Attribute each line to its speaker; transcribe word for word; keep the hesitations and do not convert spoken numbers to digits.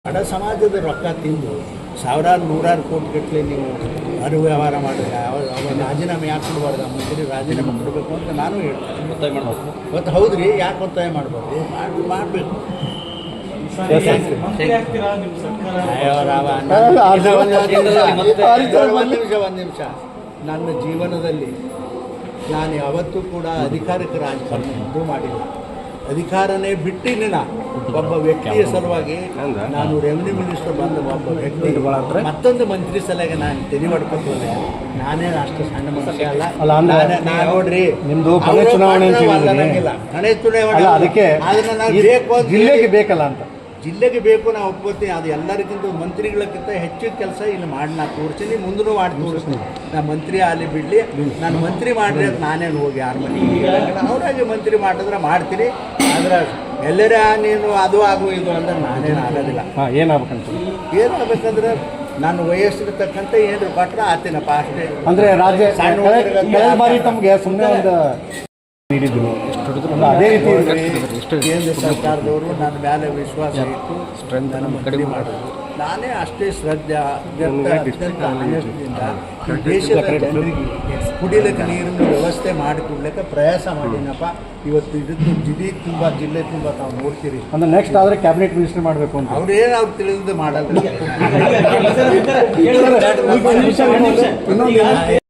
Speaker 1: ಬಡ ಸಮಾಜದ ರೊಕ್ಕ ತಿಂದು ಸಾವಿರಾರು ನೂರಾರು ಕೋಟಿ ಗಟ್ಟಲೆ ನೀವು ಅರು ವ್ಯವಹಾರ ಮಾಡಿದ್ರೆ ಅವ ಅವ ರಾಜೀನಾಮೆ ಯಾಕೆ ಕೊಡಬಾರ್ದು ಮಂತ್ರಿ ರಾಜೀನಾಮೆ ಕೊಡಬೇಕು ಅಂತ ನಾನು ಹೇಳ್ತೀನಿ. ಒತ್ತಾಯ ಮಾಡ್ಬೋದು ಮತ್ತು ಹೌದು ರೀ, ಯಾಕೆ ಒತ್ತಾಯ ಮಾಡ್ಬೋದು, ಮಾಡಿ ಮಾಡಬೇಕು. ಒಂದು ನಿಮಿಷ ಒಂದು ನಿಮಿಷ ನನ್ನ ಜೀವನದಲ್ಲಿ ನಾನು ಯಾವತ್ತೂ ಕೂಡ ಅಧಿಕಾರಕ್ಕೆ ರಾಜಕಾರಣ ಎಂದೂ ಮಾಡಿಲ್ಲ. ಅಧಿಕಾರನೇ ಬಿಟ್ಟಿನ ಒಬ್ಬ ವ್ಯಕ್ತಿಯ ಸಲುವಾಗಿ ನಾನು ರೆವಿನ್ಯೂ ಮಿನಿಸ್ಟರ್ ಬಂದ ಒಬ್ಬ ವ್ಯಕ್ತಿ ಮತ್ತೊಂದು ಮಂತ್ರಿ ಸಲುವಾಗಿ ನಾನು ತೆರಿ ಮಾಡ್ಕೊತೇನೆ. ನಾನೇನು ಅಷ್ಟು ಸಣ್ಣ ಮನುಷ್ಯ ಅಲ್ಲ. ನಾನು ನೋಡ್ರಿ ನಿಮ್ದು ಕೊನೆ ಚುನಾವಣೆ ಹಣೆ ಚುನಾವಣೆ ಅದಕ್ಕೆ ಅದನ್ನ ನಾವು ಬೇಕು ಜಿಲ್ಲೆಗೆ ಬೇಕಲ್ಲ ಅಂತ ಜಿಲ್ಲೆಗೆ ಬೇಕು ನಾವು ಒಪ್ಕೋತೀನಿ. ಅದು ಎಲ್ಲರಿಗಿಂತ ಮಂತ್ರಿಗಳಕ್ಕಿಂತ ಹೆಚ್ಚು ಕೆಲಸ ಇಲ್ಲಿ ಮಾಡಿ ನಾನು ತೋರಿಸ್ತೀನಿ, ಮುಂದೂ ಮಾಡಿ ತೋರಿಸ್ತೀನಿ. ನಾನು ಮಂತ್ರಿ ಅಲ್ಲಿ ಬಿಡಲಿ, ನಾನು ಮಂತ್ರಿ ಮಾಡಿರಿ ಅಂತ ನಾನೇನು ಹೋಗಿ ಯಾರ ಮನೆಗೆ ಅವರಾಗಿ ಮಂತ್ರಿ ಮಾಡಿದ್ರೆ ಮಾಡ್ತೀನಿ. ಆದರೆ ಎಲ್ಲರ ನೀನು ಅದು ಆಗು ಇದು ಅಂದ್ರೆ ನಾನೇನು ಆಗೋದಿಲ್ಲ.
Speaker 2: ಏನಾಗಬೇಕಂತ
Speaker 1: ಏನಾಗಬೇಕಂದ್ರೆ ನಾನು ವಯಸ್ಸಿಗೆ ತಕ್ಕಂತೆ ಏನು ಕೊಟ್ಟರೆ ಆತೀನಪ್ಪ ಅಷ್ಟೇ.
Speaker 2: ಅಂದರೆ ರಾಜ್ಯ ಬಾರಿ ತಮಗೆ ಸುಮ್ಮನೆ ಒಂದು ನೀಡಿದ್ರು ಅದೇ ರೀತಿ
Speaker 1: ಕೇಂದ್ರ ಸರ್ಕಾರದವರು ನನ್ನ ಮೇಲೆ ವಿಶ್ವಾಸ ಇಟ್ಟು ನನ್ನ ಮಂತ್ರಿ ಮಾಡೋದು. ನಾನೇ ಅಷ್ಟೇ ಶ್ರದ್ಧೆ ಅತ್ಯಂತ ಆನಂದದಿಂದ ದೇಶದ ಜನರಿಗೆ ಕುಡಿಲಿಕ್ಕೆ ನೀರಿನ ವ್ಯವಸ್ಥೆ ಮಾಡಿಕೊಡ್ಲಿಕ್ಕೆ ಪ್ರಯಾಸ ಮಾಡಿನಪ್ಪ. ಇವತ್ತು ಇದಕ್ಕೆ ಜಿಲ್ಲೆ ತುಂಬ ಜಿಲ್ಲೆ ತುಂಬ ತಾವು ನೋಡ್ತೀರಿ.
Speaker 2: ಅಂದ್ರೆ ನೆಕ್ಸ್ಟ್ ಆದರೆ ಕ್ಯಾಬಿನೆಟ್ ಮಿನಿಸ್ಟರ್ ಮಾಡಬೇಕು ಅಂತ
Speaker 1: ಅವ್ರೇನು ಅವ್ರು ತಿಳಿದು ಮಾಡಲ್ಲ.